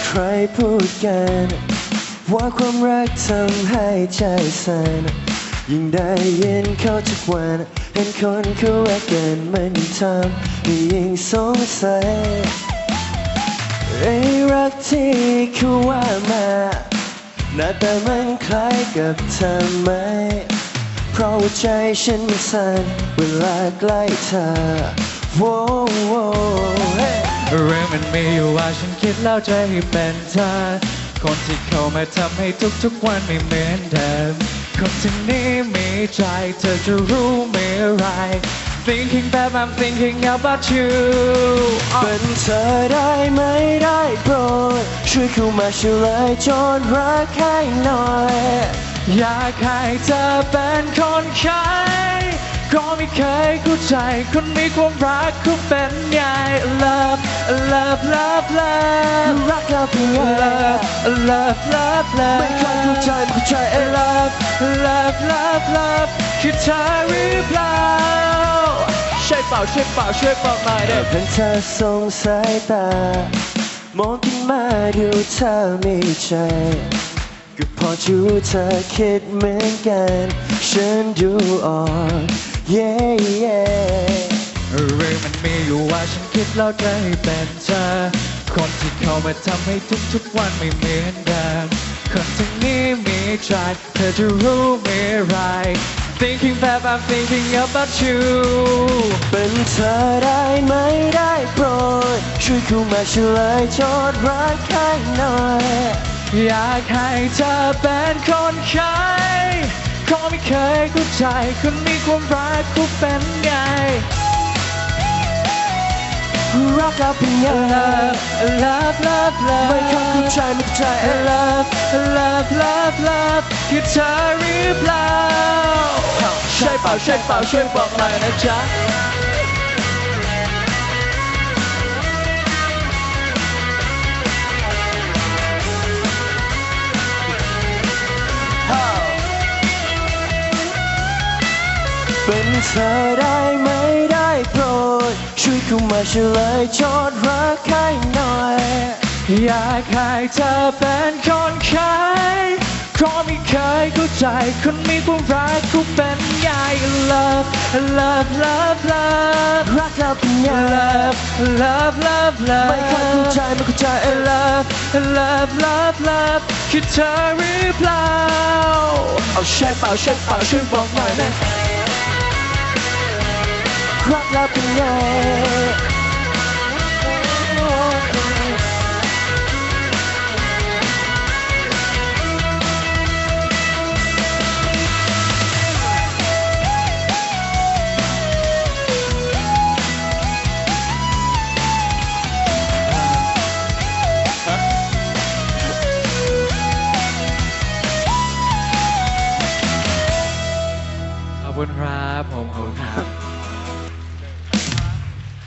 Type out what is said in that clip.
ใครพูดกันว่าความรักทำให้ใจสั่นยิ่งได้ยินเขาทุกวันเห็นคนเขารักกันมันทำให้ยิ่งสงสัยไอ้รักที่เขาว่ามาหน้าตามันคล้ายกับเธอไหมเพราะว่าใจฉันมันสั่นเวลาใกล้เธอโว้โว้เรื่องมันมีอยู่ว่าฉันคิดแล้วจะให้เป็นเธอคนที่เข้ามาทำให้ทุกๆวันไม่เหมือนเดิมคนที่นี้มีใจเธอจะรู้ไม่ไร Thinking that I'm thinking about you เป็นเธอได้ไหมได้โปรดช่วยเข้ามาเฉลยจนรักให้หน่อยอยากให้เธอเป็นคนใช้ก็ไม่เคยเข้าใจคนมีความรักเขาเป็นไง Love love love love รักเราเพียง Love love love love ไม่เคยเข้าใจไม่เข้าใจ Love love love love คือเธอหรือเปล่าช่วยเปล่าช่วยเปล่าช่วยบอกหน่อยเด้อเป็นเธอสงสายตามองขึ้นมาดูเธอมีใจก็พอจะรู้เธอคิดเหมือนกันฉันดูออกเรื่องมันมีอยู่ว่าฉันคิดแล้วจะให้เป็นเธอคนที่เข้ามาทำให้ทุกๆวันไม่เหมือนเดิมคนที่นี้มีใจเธอจะรู้ไม่ไร Thinking that I'm thinking about you เป็นเธอได้ไหมได้โปรดช่วยเข้ามาเฉลยจนรักให้หน่อยอยากให้เธอเป็นคนใช้ก็ไม่เคยเข้าใจคนมีความรักเขาเป็นไงรักเราเพียง Love love love ไม่เข้าใจไม่เข้าใจ Love love love love คือเธอหรือเปล่าใช่เปล่าใช่เปล่าช่วยบอกหน่อยนะจ๊ะเป็นเธอได้ไหมได้โปรดช่วยเข้ามาเฉลยจนรักให้หน่อยอยากให้เธอเป็นคนใช้เพราะไม่เคยเข้าใจคนมีความรักเขาเป็นไง Love love love love รักเราเพียง Love love love love ไม่เข้าใจไม่เข้าใจ Love love love love คือเธอหรือเปล่าเอาใช่เปล่าใช่เปล่าช่วยบอกหน่อยนะรักเราเป็นไง